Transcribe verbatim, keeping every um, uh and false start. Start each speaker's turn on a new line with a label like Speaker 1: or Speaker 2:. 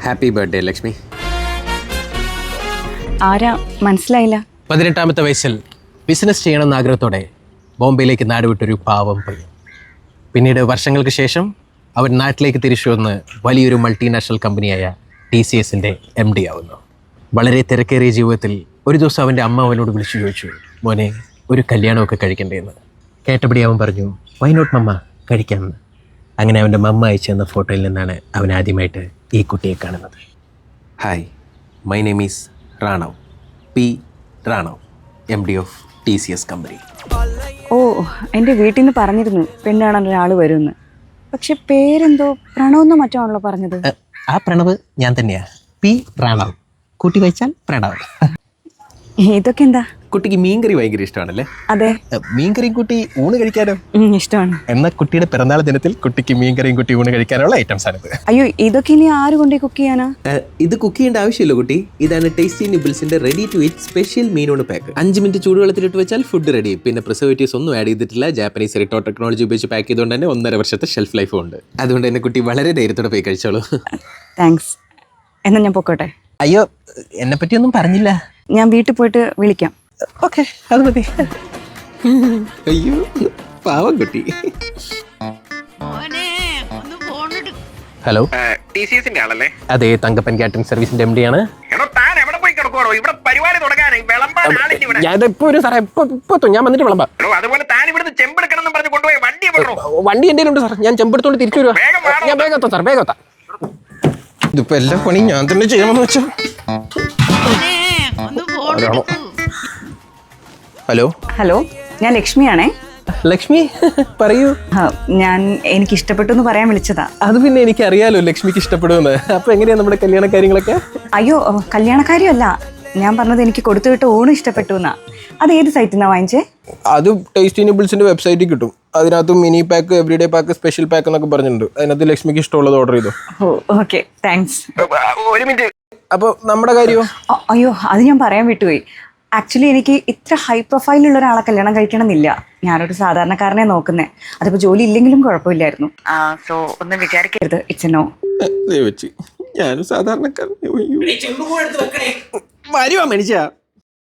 Speaker 1: Happy birthday Lakshmi.
Speaker 2: ആരാ മനസ്സിലായില്ല?
Speaker 3: പതിനെട്ടാമത്തെ വയസ്സിൽ ബിസിനസ് ചെയ്യണമെന്ന ആഗ്രഹത്തോടെ ബോംബെയിലേക്ക് നാടുവിട്ടൊരു പാവം പയ്യൻ. പിന്നീട് വർഷങ്ങൾക്ക് ശേഷം അവൻ നാട്ടിലേക്ക് തിരിച്ചു വന്ന് വലിയൊരു മൾട്ടിനാഷണൽ കമ്പനിയായ ടി സി എസിൻ്റെ എം ഡി ആവുന്നു. വളരെ തിരക്കേറിയ ജീവിതത്തിൽ ഒരു ദിവസം അവൻ്റെ അമ്മ അവനോട് വിളിച്ചു ചോദിച്ചു, മോനെ ഒരു കല്യാണമൊക്കെ കഴിക്കണ്ടേന്ന്. കേട്ടപടി അവൻ പറഞ്ഞു, വൈ നോട്ട് മമ്മ, കഴിക്കാമെന്ന്. അങ്ങനെ അവൻ്റെ മമ്മ അയച്ചു തന്ന ഫോട്ടോയിൽ നിന്നാണ് അവൻ ആദ്യമായിട്ട് ഈ കുട്ടിയെ കാണുന്നത്.
Speaker 1: Hi, my name is Ranav, P Ranav, M D of T C S company.
Speaker 2: ഓ, എൻ്റെ വീട്ടിൽ നിന്ന് പറഞ്ഞിരുന്നു പെണ്ണാണ് ഒരാൾ വരുമെന്ന്. പക്ഷെ പേരെന്തോ പ്രണവെന്നോ മറ്റോ ആണല്ലോ പറഞ്ഞത്.
Speaker 3: ആ പ്രണവ് ഞാൻ തന്നെയാ, പി പ്രണവ്. കൂട്ടി വായിച്ചാൽ പ്രണവ്.
Speaker 2: ഇതൊക്കെ എന്താ?
Speaker 1: കുട്ടിക്ക് മീൻകറി ഭയങ്കര ഇഷ്ടമാണല്ലേ?
Speaker 2: അതെ,
Speaker 3: മീൻകറിയും കുട്ടി ഊണ് കഴിക്കാനോ?
Speaker 2: ഇഷ്ടമാണ്.
Speaker 3: എന്നാൽ കുട്ടിയുടെ പിറന്നാൾ ദിനത്തിൽ കുട്ടിക്ക് മീൻകറിയും കുട്ടി ഊണ് കഴിക്കാനുള്ള ഐറ്റംസ് ആണിത്.
Speaker 2: അയ്യോ, ഇതൊക്കെ ഇനി ആര് കൊണ്ടേ കുക്ക് ചെയ്യാനാ?
Speaker 1: ഇത് കുക്ക് ചെയ്യേണ്ട ആവശ്യമില്ല കുട്ടി. ഇതാണ് ടേസ്റ്റി നിബിൾസിന്റെ റെഡി ടു ഈറ്റ് സ്പെഷ്യൽ മീനോണ് പാക്ക്. അഞ്ച് മിനിറ്റ് ചൂടുവെള്ളത്തിലിട്ട് വെച്ചാൽ ഫുഡ് റെഡി. പിന്നെ പ്രിസർവേറ്റീവ്സ് ഒന്നും ആഡ് ചെയ്തിട്ടില്ല. ജാപ്പനീസ് റിട്ടോ ടെക്നോളജി ഉപയോഗിച്ച് പാക്ക് ചെയ്തുകൊണ്ട് തന്നെ ഒന്നര വർഷത്തെ ഷെൽഫ് ലൈഫും ഉണ്ട്. അതുകൊണ്ട് തന്നെ കുട്ടി വളരെ ധൈര്യത്തോടെ പോയി കഴിച്ചോളൂ.
Speaker 2: താങ്ക്സ്. എന്നാ ഞാൻ പൊക്കോട്ടെ?
Speaker 3: അയ്യോ, എന്നെ പറ്റിയൊന്നും പറഞ്ഞില്ല.
Speaker 2: ഞാൻ വീട്ടിൽ പോയിട്ട് വിളിക്കാം.
Speaker 3: ഓക്കെ, അത് മതി.
Speaker 1: അയ്യോ പാവം കുട്ടി.
Speaker 3: ഹലോ,
Speaker 4: ടി സി എസിന്റെ ആളല്ലേ?
Speaker 3: അതെ, തങ്കപ്പൻ കാറ്ററിംഗ് സർവീസിന്റെ എം ഡി ആണ്.
Speaker 4: എടോ, താൻ എവിടെ പോയി കിടക്കുവാണോ? ഇവിടെ പരിപാടി തുടങ്ങാനായി, വിളമ്പാൻ ആളില്ല ഇവിടെ.
Speaker 3: ഞാനിപ്പോ ഒരു സാറേ ഇപ്പൊ ഇപ്പൊ ഞാൻ വന്നിട്ട് വിളമ്പാം.
Speaker 4: എടോ, അതുപോലെ താൻ ഇവിടുന്ന് ചെമ്പെടുക്കണം എന്ന് പറഞ്ഞ് കൊണ്ടുപോയി വണ്ടി വിടണോ?
Speaker 3: വണ്ടി എൻ്റെ ഉണ്ട് സാർ, ഞാൻ ചെമ്പെടുത്തോണ്ട് തിരിച്ചു വരുവാ.
Speaker 4: വേഗം വാടോ.
Speaker 3: ഞാൻ വേഗം എത്താം സാർ, വേഗം എത്താം. ഇതിപ്പോ എല്ലാ പണി ഞാൻ തന്നെ ചെയ്യണമെന്ന് വെച്ചോ. ഹലോ
Speaker 2: ഹലോ, ഞാൻ ലക്ഷ്മിയാണേ.
Speaker 3: ലക്ഷ്മി, പറയൂ.
Speaker 2: ആ, ഞാൻ എനിക്ക് ഇഷ്ടപ്പെട്ടു എന്ന് പറയാൻ വിളിച്ചതാ.
Speaker 3: അത് പിന്നെ എനിക്ക് അറിയാലോ ലക്ഷ്മിക്ക് ഇഷ്ടപ്പെടുമെന്ന്. അപ്പൊ എങ്ങനെയാ നമ്മുടെ കല്യാണ കാര്യങ്ങളൊക്കെ?
Speaker 2: അയ്യോ, കല്യാണക്കാരിയല്ല ഞാൻ പറഞ്ഞത്, എനിക്ക് കൊടുത്തു വിട്ട ഊണ് ഇഷ്ടപ്പെട്ടു എന്നാ. അത് ഏത് സൈറ്റിൽ നിന്നാ വാങ്ങിച്ചേ?
Speaker 3: അത് ടേസ്റ്റി നിബിൾസിന്റെ വെബ്സൈറ്റിൽ കിട്ടും. അതിനകത്ത് mini pack, everyday pack, special pack എന്നൊക്കെ പറഞ്ഞിട്ടുണ്ട്. അതിനകത്ത് ലക്ഷ്മിക്ക് ഇഷ്ടമുള്ളത് ഓർഡർ ചെയ്തു.
Speaker 2: ഓ, ഓക്കെ, താങ്ക്സ്.
Speaker 4: ഒരു മിനിറ്റ്.
Speaker 3: അപ്പൊ നമ്മുടെ കാര്യമോ?
Speaker 2: അയ്യോ, അത് ഞാൻ പറയാൻ വിട്ടുപോയി. ആക്ച്വലി എനിക്ക് ഇത്ര ഹൈ പ്രൊഫൈലുള്ള ഒരാളെ കല്യാണം കഴിക്കണം എന്നില്ല. ഞാനൊരു സാധാരണക്കാരനെ നോക്കുന്നേ. അതിപ്പോ ജോലി ഇല്ലെങ്കിലും കുഴപ്പമില്ലായിരുന്നു. സോ ഒന്നും വിചാരിക്കരുത്, ഇറ്റ്സ് നോ.
Speaker 1: ഞാനും സാധാരണക്കാരൻ.
Speaker 3: വരുവാ മനുഷ്യ.